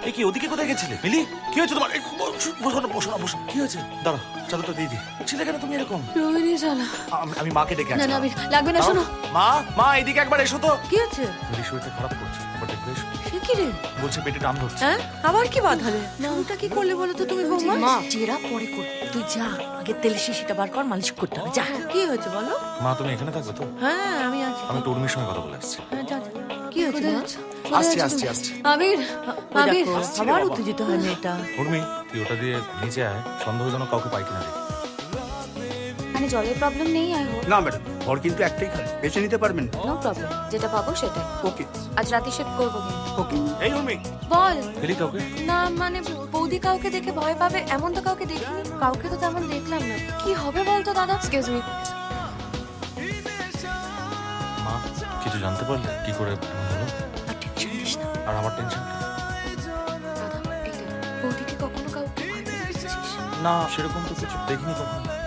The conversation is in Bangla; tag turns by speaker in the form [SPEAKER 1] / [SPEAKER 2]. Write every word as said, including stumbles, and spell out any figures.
[SPEAKER 1] এই কি ওদিকে কোথায় গেছিলে মিলি? কি হয়েছে তোমার? এই, বসো, বসো না, বসো না, বসো। কি হয়েছে? দাঁড়া, চাদরটা দিয়ে দি। ছিলে কেন তুমি এরকম?
[SPEAKER 2] রোহিণী চালা।
[SPEAKER 1] আমি- আমি মাকে ডেকে
[SPEAKER 2] না
[SPEAKER 1] আনছি।
[SPEAKER 2] না আবির, লাগবে না, শোনো।
[SPEAKER 1] মা, মা এদিকে একবার এসো তো।
[SPEAKER 2] কি হচ্ছে?
[SPEAKER 1] মিলি শরীরটা খারাপ করছে, একবার দেখবে এসো।
[SPEAKER 2] সে কি রে?
[SPEAKER 1] বলছে পেটে টান ধরছে।
[SPEAKER 2] হ্যাঁ, আবার কি বাঁধালে? শুরুটা কি করলে বলো তো তুমি বৌমা?
[SPEAKER 3] মা চেরা পরে কর, তুই যা আগে তেলের শিশিটা বার কর, মালিশ করতে হবে, যা।
[SPEAKER 2] কি হয়েছে বলো?
[SPEAKER 1] মা তুমি এখানে থাকবে তো?
[SPEAKER 2] হ্যাঁ আমি আছি।
[SPEAKER 1] আমি টুর্মির সঙ্গে কথা বলে আসছি।
[SPEAKER 2] হ্যাঁ, যা, যা। কি হয়েছে মা?
[SPEAKER 1] আসছি আসছি আসছি।
[SPEAKER 2] আবির,
[SPEAKER 3] ওই
[SPEAKER 2] আবির,
[SPEAKER 3] দেখো,
[SPEAKER 2] আবার উত্তেজিত হয় মেয়েটা।
[SPEAKER 1] উর্মি তুই ওটা দিয়ে নিচে আয়, সন্দেহজনক কাউকে পাই কিনা দেখি।
[SPEAKER 4] মানে জলের প্রবলেম নেই আই হোপ।
[SPEAKER 5] না ম্যাডাম, ঘর কিন্তু একটাই খালি, বেছে নিতে পারবেন।
[SPEAKER 4] নো প্রবলেম, যেটা পাবো সেটাই।
[SPEAKER 5] ওকে
[SPEAKER 4] আজ রাতে শিফট করবো কিন্তু।
[SPEAKER 5] ওকে।
[SPEAKER 1] এই উর্মি,
[SPEAKER 4] বল।
[SPEAKER 1] ফেলি কাউকে?
[SPEAKER 4] না মানে বৌদি কাউকে দেখে ভয় পাবে এমন তো কাউকে দেখিনি। কাউকে তো তেমন দেখলাম না। কি হবে বলতো দাদা? Excuse me.
[SPEAKER 1] মা কিছু জানতে পারলে কি করে এমন হলো?
[SPEAKER 3] আর টেনশন দিস না।
[SPEAKER 1] আর আমার টেনশনটা?
[SPEAKER 4] দাদা, এই দেখ, বৌদিকে কখনো কাউকে ভয় পেতে দেখেছিস?
[SPEAKER 1] না সেরকম তো কিছু দেখিনি কখনো।